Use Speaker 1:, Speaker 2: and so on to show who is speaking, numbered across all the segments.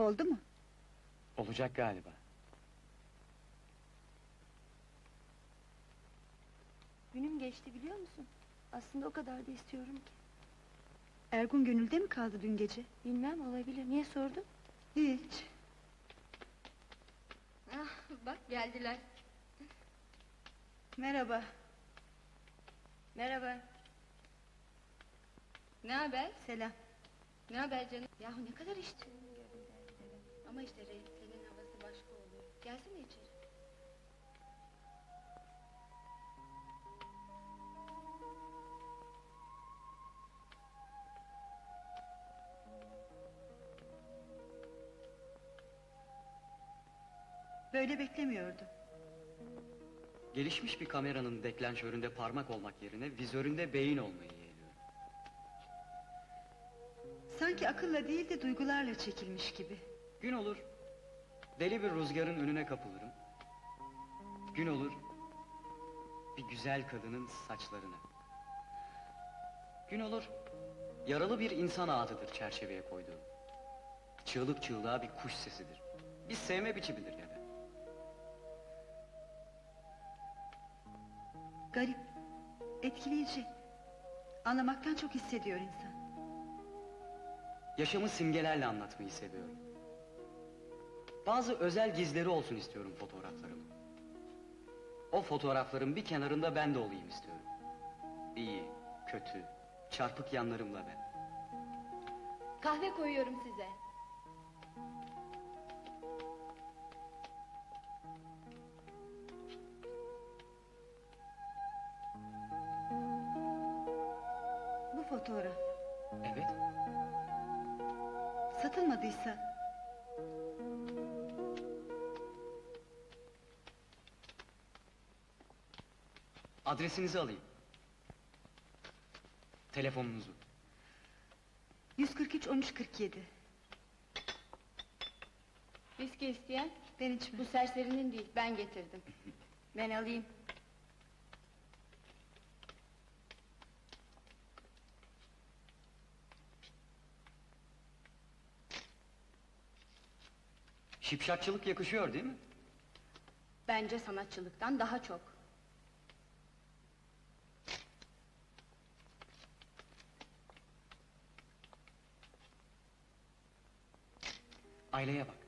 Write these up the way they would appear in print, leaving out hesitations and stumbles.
Speaker 1: Oldu mu?
Speaker 2: Olacak galiba.
Speaker 3: Günüm geçti biliyor musun? Aslında o kadar da istiyorum ki.
Speaker 1: Ergun gönülde mi kaldı dün gece?
Speaker 3: Bilmem, olabilir. Niye sordun?
Speaker 1: Hiç.
Speaker 3: Ah, bak geldiler.
Speaker 1: Merhaba.
Speaker 3: Merhaba. Ne haber?
Speaker 1: Selam.
Speaker 3: Ne haber canım? Yahu ne kadar içtin? Ama işte renklerin havası başka oluyor. Gelsene içeri.
Speaker 1: Böyle beklemiyordum.
Speaker 2: Gelişmiş bir kameranın deklanşöründe parmak olmak yerine vizöründe beyin olmayı yeğliyorum.
Speaker 1: Sanki akılla değil de duygularla çekilmiş gibi.
Speaker 2: Gün olur, deli bir rüzgarın önüne kapılırım. Gün olur, bir güzel kadının saçlarına. Gün olur, yaralı bir insan ağıtıdır çerçeveye koyduğum. Çığlık çığlığa bir kuş sesidir. Bir sevme biçimidir ya da.
Speaker 1: Garip, etkileyici. Anlamaktan çok hissediyor insan.
Speaker 2: Yaşamı simgelerle anlatmayı seviyorum. Bazı özel gizleri olsun istiyorum fotoğraflarımın. O fotoğrafların bir kenarında ben de olayım istiyorum. İyi, kötü, çarpık yanlarımla ben.
Speaker 3: Kahve koyuyorum size.
Speaker 1: Bu fotoğraf,
Speaker 2: Evet,
Speaker 1: satılmadıysa...
Speaker 2: adresinizi alayım. Telefonunuzu.
Speaker 1: 143 1347.
Speaker 3: Viski isteyen?
Speaker 1: Ben içmem.
Speaker 3: Bu serserinin değil, ben getirdim. Ben alayım.
Speaker 2: Şipşakçılık yakışıyor değil mi?
Speaker 3: Bence sanatçılıktan daha çok.
Speaker 2: Aileye bak.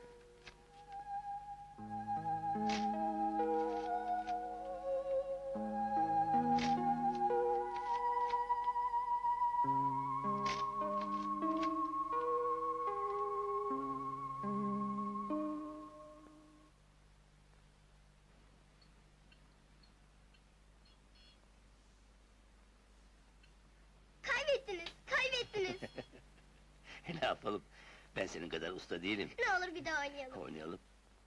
Speaker 4: Kaybettiniz, kaybettiniz.
Speaker 5: Ne yapalım? Ben senin kadar usta değilim.
Speaker 4: Ne olur bir daha oynayalım.
Speaker 5: Oynayalım.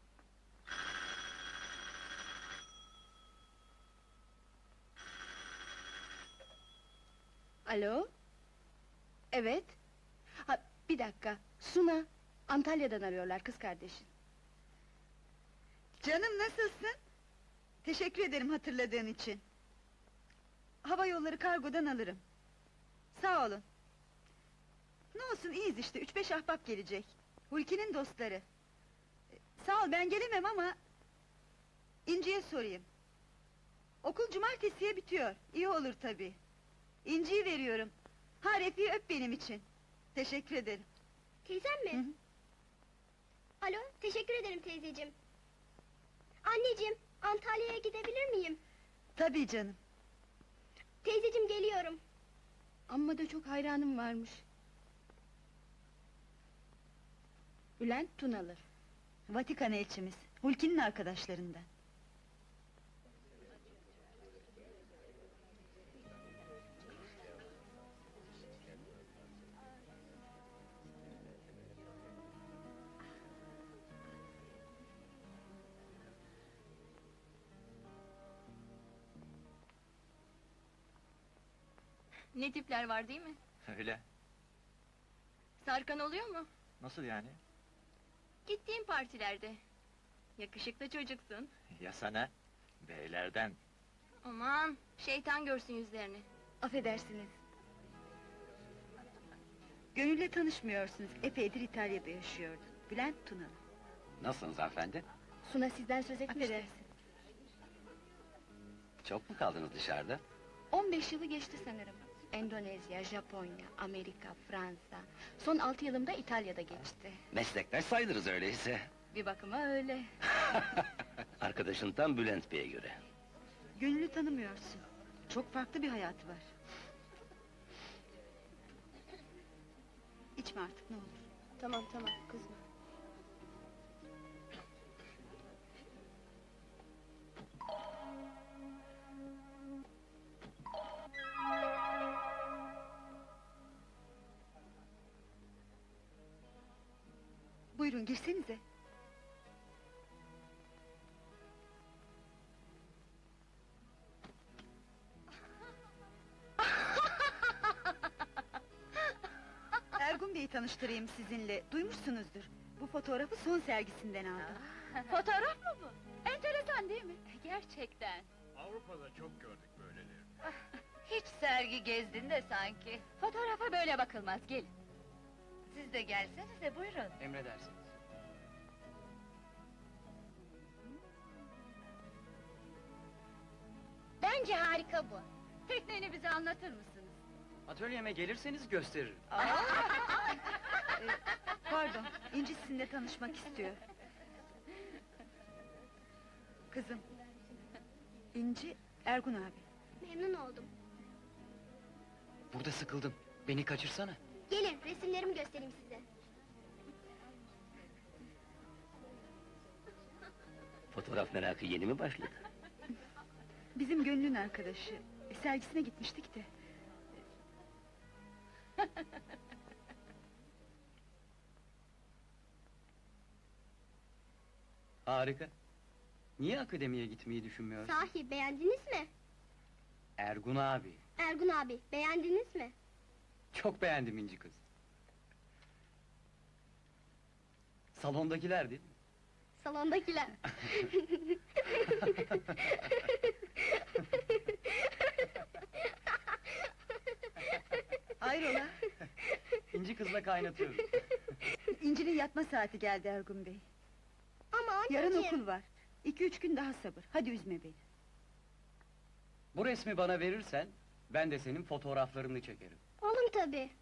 Speaker 3: Alo? Evet. Ha, bir dakika, Suna. Antalya'dan arıyorlar, kız kardeşin.
Speaker 1: Canım nasılsın? Teşekkür ederim hatırladığın için. Hava yolları kargodan alırım. Sağ olun. Ne olsun iyiyiz işte, 3-5 ahbap gelecek. Hulki'nin dostları. Sağ ol, ben gelemem ama... İnci'ye sorayım. Okul cumartesiye bitiyor, iyi olur tabii. İnci'yi veriyorum. Ha, Refik'i öp benim için. Teşekkür ederim.
Speaker 4: Teyzem mi?
Speaker 1: Hı hı.
Speaker 4: Alo, teşekkür ederim teyzeciğim. Anneciğim, Antalya'ya gidebilir miyim?
Speaker 1: Tabii canım.
Speaker 4: Teyzeciğim geliyorum.
Speaker 3: Amma da çok hayranım varmış. Bülent Tunalı.
Speaker 1: Vatikan elçimiz, Hulki'nin arkadaşlarından.
Speaker 3: Ne tipler var değil mi?
Speaker 5: Öyle.
Speaker 3: Sarkan oluyor mu?
Speaker 5: Nasıl yani?
Speaker 3: Gittiğim partilerde. Yakışıklı çocuksun.
Speaker 5: Ya sana? Beylerden.
Speaker 3: Aman, şeytan görsün yüzlerini. Affedersiniz.
Speaker 1: Gönül'le tanışmıyorsunuz, epeydir İtalya'da yaşıyordu. Bülent Tunalı.
Speaker 5: Nasılsınız hanımefendi?
Speaker 3: Suna sizden söz etmişti.
Speaker 1: Affedersin.
Speaker 5: Çok mu kaldınız dışarıda?
Speaker 3: 15 yılı geçti sanırım. Endonezya, Japonya, Amerika, Fransa. Son 6 yılımda İtalya'da geçti.
Speaker 5: Meslektaş sayılırız öyleyse.
Speaker 3: Bir bakıma öyle.
Speaker 5: Arkadaşın tam Bülent Bey'e göre.
Speaker 1: Gönül'ü tanımıyorsun. Çok farklı bir hayatı var. İçme artık ne olur.
Speaker 3: Tamam kızma.
Speaker 1: Buyurun girsenize. Ergun Bey'i tanıştırayım sizinle. Duymuşsunuzdur. Bu fotoğrafı son sergisinden aldım.
Speaker 3: Fotoğraf mı bu? Enteresan değil mi? Gerçekten.
Speaker 6: Avrupa'da çok gördük böyleleri.
Speaker 7: Hiç sergi gezdin de sanki.
Speaker 3: Fotoğrafa böyle bakılmaz, gelin.
Speaker 7: Siz de gelsenize buyurun.
Speaker 2: Emredersiniz.
Speaker 4: Bence harika bu.
Speaker 3: Tekniğini bize anlatır mısınız?
Speaker 2: Atölyeme gelirseniz gösteririm.
Speaker 1: Pardon, İnci sizinle tanışmak istiyor. Kızım. İnci, Ergun abi.
Speaker 4: Memnun oldum.
Speaker 2: Burada sıkıldım. Beni kaçırsana.
Speaker 4: Gelin resimlerimi göstereyim size.
Speaker 5: Fotoğraf merakı yeni mi başladı?
Speaker 1: Bizim Gönül'ün arkadaşı. Sergisine gitmiştik de.
Speaker 2: Harika. Niye akademiye gitmeyi düşünmüyorsun?
Speaker 4: Sahi beğendiniz mi?
Speaker 2: Ergun abi.
Speaker 4: Ergun abi beğendiniz mi?
Speaker 2: Çok beğendim İnci kız. Salondakiler değil mi?
Speaker 4: Salondakiler.
Speaker 1: Hayrola?
Speaker 2: İnci kızla kaynatıyorum.
Speaker 1: İnci'nin yatma saati geldi Ergun Bey.
Speaker 4: Ama anneciğim.
Speaker 1: Yarın okul var. 2-3 gün daha sabır. Hadi üzme beni.
Speaker 2: Bu resmi bana verirsen, ben de senin fotoğraflarını çekerim.
Speaker 4: Olur tabii.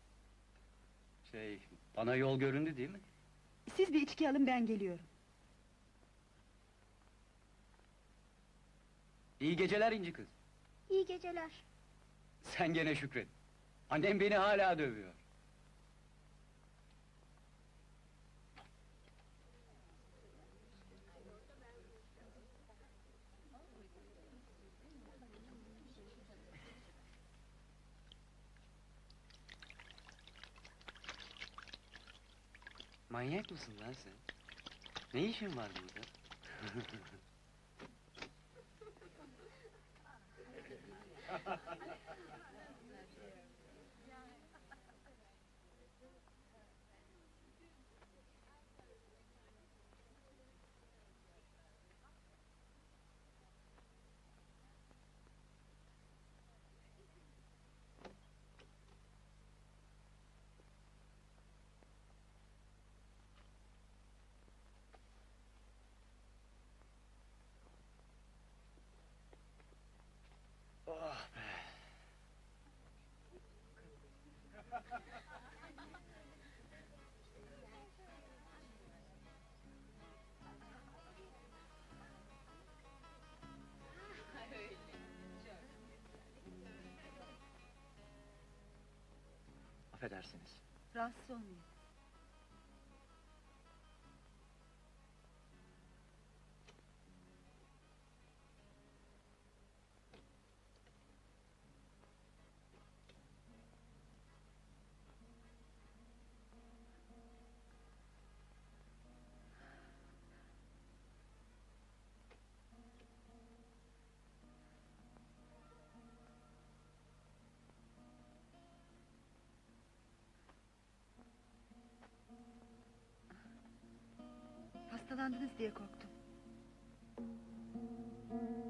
Speaker 2: Bana yol göründü değil mi?
Speaker 1: Siz bir içki alın ben geliyorum.
Speaker 2: İyi geceler İnci kız.
Speaker 4: İyi geceler.
Speaker 2: Sen gene şükret. Annem beni hala dövüyor. Manyak mısın lan sen? Ne işin var burada? Oh be! Affedersiniz.
Speaker 1: Rahatsız olmayın. Hastalandınız diye korktum.